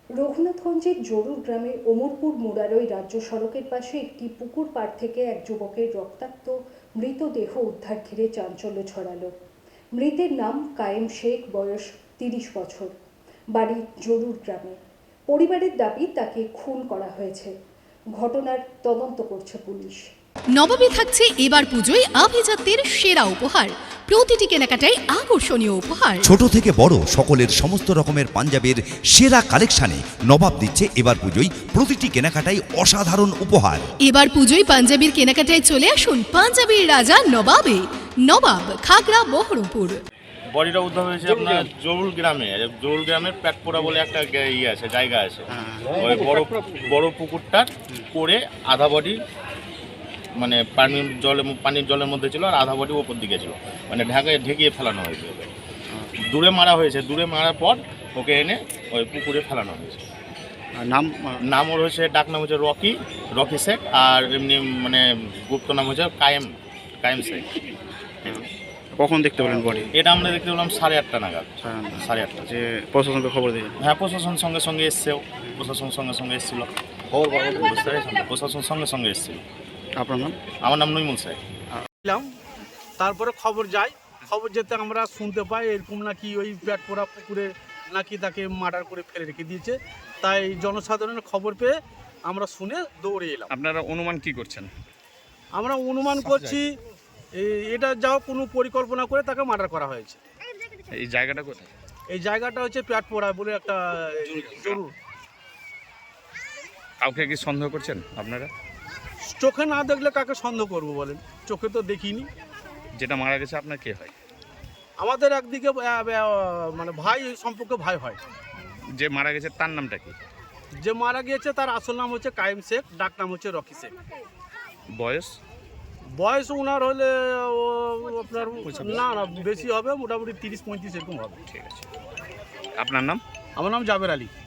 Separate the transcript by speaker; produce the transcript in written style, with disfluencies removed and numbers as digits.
Speaker 1: রঘুনাথগঞ্জের জরুর গ্রামে ওমরপুর মুরারই রাজ্য সড়কের পাশে একটি পুকুর পাড় থেকে এক যুবকের রক্তাক্ত মৃতদেহ উদ্ধার ঘিরে চাঞ্চল্য ছড়ালো। মৃতের নাম কায়েম শেখ, বয়স 30 বছর, বাড়ি জরুর গ্রামে। পরিবারের দাবি তাকে খুন করা হয়েছে। ঘটনার তদন্ত করছে পুলিশ।
Speaker 2: নবমী থাকছে এবার পুজোয় আভিজাত্যের সেরা উপহার। প্রতিটি কেনাকাটায় আকর্ষণীয় উপহার।
Speaker 3: ছোট থেকে বড় সকলের সমস্ত রকমের পাঞ্জাবের সেরা কালেকশনে নবাব দিচ্ছে এবার পুজোয় প্রতিটি কেনাকাটায় অসাধারণ উপহার।
Speaker 2: এবার পুজোয় পাঞ্জাবির কেনাকাটায় চলে আসুন পাঞ্জাবির রাজা নবাবে। নবাব, খাগড়া, বহরমপুর।
Speaker 4: বডিটা উদ্ধার হয়েছে আপনার জরুল গ্রামে। জরুল গ্রামের প্যাটপোড়া বলে একটা ইয়ে আছে, জায়গা আছে। ওই বড় পুকুরটার করে আধা বডি মানে পানির জলের মধ্যে ছিল, আর আধা বডি ওপর দিকে ছিল, মানে ঢেকিয়ে ফেলানো হয়েছে। দূরে মারা হয়েছে, দূরে মারার পর ওকে এনে ওই পুকুরে ফেলানো হয়েছে। নাম ওর হচ্ছে, ডাক নাম হচ্ছে রকি শেখ, আর এমনি মানে গুপ্ত নাম হচ্ছে কায়েম শেখ।
Speaker 5: কখন দেখতে পেলেন বডি?
Speaker 4: এটা আমরা দেখতে পেলাম 8:30 নাগাদ। 8:30
Speaker 5: যে প্রশাসনকে খবর দিয়ে?
Speaker 4: হ্যাঁ, প্রশাসন সঙ্গে সঙ্গে এসছেও। প্রশাসন সঙ্গে এসেছিল। প্রশাসন সঙ্গে এসেছিল।
Speaker 5: আপনার নাম?
Speaker 4: আমার নাম নইমুল শেখ।
Speaker 6: তারপরে খবর যেতে আমরা শুনতে পাই এরকম নাকি ওই পেটপোড়া পুকুরে নাকি তাকে মার্ডার করে ফেলে রেখে দিয়েছে। তাই জনসাধারণের খবর পেয়ে আমরা শুনে দৌড়ে এলাম।
Speaker 5: আপনারা অনুমান কি করছেন?
Speaker 6: আমরা অনুমান করছি এটা যাও কোনো পরিকল্পনা করে তাকে মার্ডার করা হয়েছে।
Speaker 5: এই জায়গাটা কোথায়?
Speaker 6: এই জায়গাটা হচ্ছে পেটপোড়া বলে একটা জরুর।
Speaker 5: কাউকে কি সন্দেহ করছেন আপনারা?
Speaker 6: চোখে না দেখলে কাকে সন্দেহ করবো বলেন? চোখে তো দেখিনি।
Speaker 5: যেটা মারা গেছে আপনার কে হয়?
Speaker 6: আমাদের একদিকে মানে ভাই, সম্পর্কে ভাই হয়।
Speaker 5: যে মারা গেছে তার নামটা কি?
Speaker 6: যে মারা গিয়েছে তার আসল নাম হচ্ছে কায়েম শেখ, ডাক নাম হচ্ছে রকি শেখ।
Speaker 5: বয়স
Speaker 6: ওনার হলে আপনার না বেশি হবে, মোটামুটি 30-35 এরকম হবে।
Speaker 5: ঠিক আছে। আপনার নাম?
Speaker 6: আমার নাম জাবের আলী।